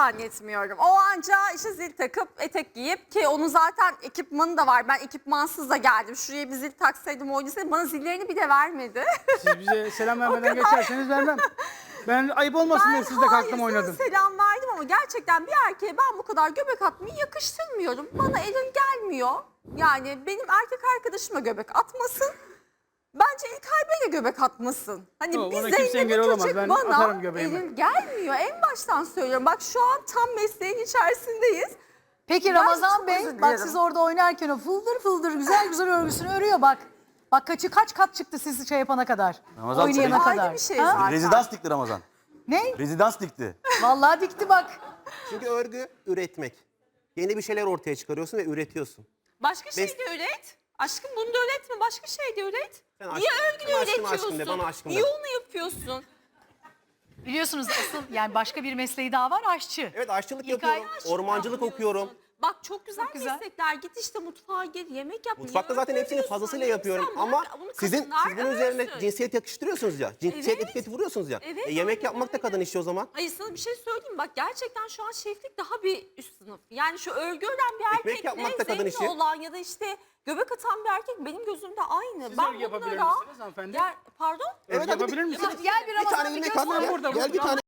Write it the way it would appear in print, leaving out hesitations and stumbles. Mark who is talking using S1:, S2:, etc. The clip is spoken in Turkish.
S1: zannetmiyorum. O anca işte zil takıp etek giyip, ki onun zaten ekipmanı da var. Ben ekipmansız da geldim. Şuraya bir zil taksaydım, oynasaydım, bana zillerini bir de vermedi.
S2: Siz bize selam vermeden geçerseniz vermem. Ben ayıp olmasın diye siz de kalktım oynadım.
S1: Selam verdim ama gerçekten bir erkeğe ben bu kadar göbek atmayı yakıştırmıyorum. Bana elin gelmiyor. Yani benim erkek arkadaşıma göbek atmasın. Bence İlkay Bey'e göbek atmasın. Hani
S2: Yok,
S1: bir
S2: ona kimse engel
S1: Zeynep'i
S2: olamaz.
S1: çocuk
S2: Ben
S1: bana
S2: atarım göbeğimi.
S1: elin gelmiyor. En baştan söylüyorum. Bak şu an tam mesleğin içerisindeyiz.
S3: Peki
S1: Ben
S3: Ramazan
S1: çok
S3: Bey,
S1: özür
S3: bak
S1: dilerim.
S3: siz orada oynarken o fıldır fıldır güzel güzel örgüsünü örüyor bak. Bak kaç kat çıktı siz şey yapana kadar.
S4: Ramazan
S3: oynayana
S4: tabii.
S3: kadar.
S1: Ayrı bir şey
S3: Ha?
S1: zaten.
S4: Rezidans dikti Ramazan.
S3: Ne?
S4: Rezidans dikti.
S3: Vallahi dikti bak.
S5: Çünkü örgü üretmek. Yeni bir şeyler ortaya çıkarıyorsun ve üretiyorsun.
S6: Başka şey de üret. Aşkım bunu da üretme. Başka şey de üret.
S5: Sen
S6: Niye
S5: aşkım-
S6: örgünü
S5: sen aşkım,
S6: üretiyorsun?
S5: aşkım de, bana aşkım de.
S6: Niye onu yapıyorsun?
S3: Biliyorsunuz asıl yani başka bir mesleği daha var, aşçı.
S5: Evet, aşçılık
S3: İlkay
S5: yapıyorum,
S6: aşk
S5: ormancılık
S6: yapıyorsun.
S5: okuyorum.
S6: Bak çok güzel,
S3: güzel.
S6: meslekler. Git işte mutfağa gir, yemek yap.
S5: Mutfakta
S6: Niye
S5: zaten hepsini
S6: örgü
S5: fazlasıyla
S6: örüyorsun?
S5: yapıyorum
S6: Sen
S5: ama
S6: bırak, bunu
S5: siz
S6: kadınlar
S5: bunun üzerine
S6: örsün.
S5: cinsiyet yakıştırıyorsunuz ya. Cinsiyet
S6: Evet.
S5: etiketi vuruyorsunuz ya.
S6: Evet,
S5: Yemek
S6: aynen
S5: yapmak da
S6: öyle.
S5: kadın işi o zaman.
S6: Hayır, sana bir şey söyleyeyim. Bak gerçekten şu an şeflik daha bir üst sınıf. Yani şu örgü ören bir
S5: Ekmek yapmak da
S6: erkekle
S5: kadın
S6: zevkli
S5: işi.
S6: olan ya da işte göbek atan bir erkek benim gözümde aynı.
S2: Siz
S6: ben
S2: örgü yapabilir
S6: bunlara...
S2: misiniz hanımefendi?
S6: Ya, pardon?
S5: Evet, hadi
S2: Yapabilir misiniz?
S3: Gel bir
S5: Bir tane
S3: Ramazan'ı
S5: ilmek al
S3: göster.
S5: ya.
S2: burada,
S5: Gel bir tane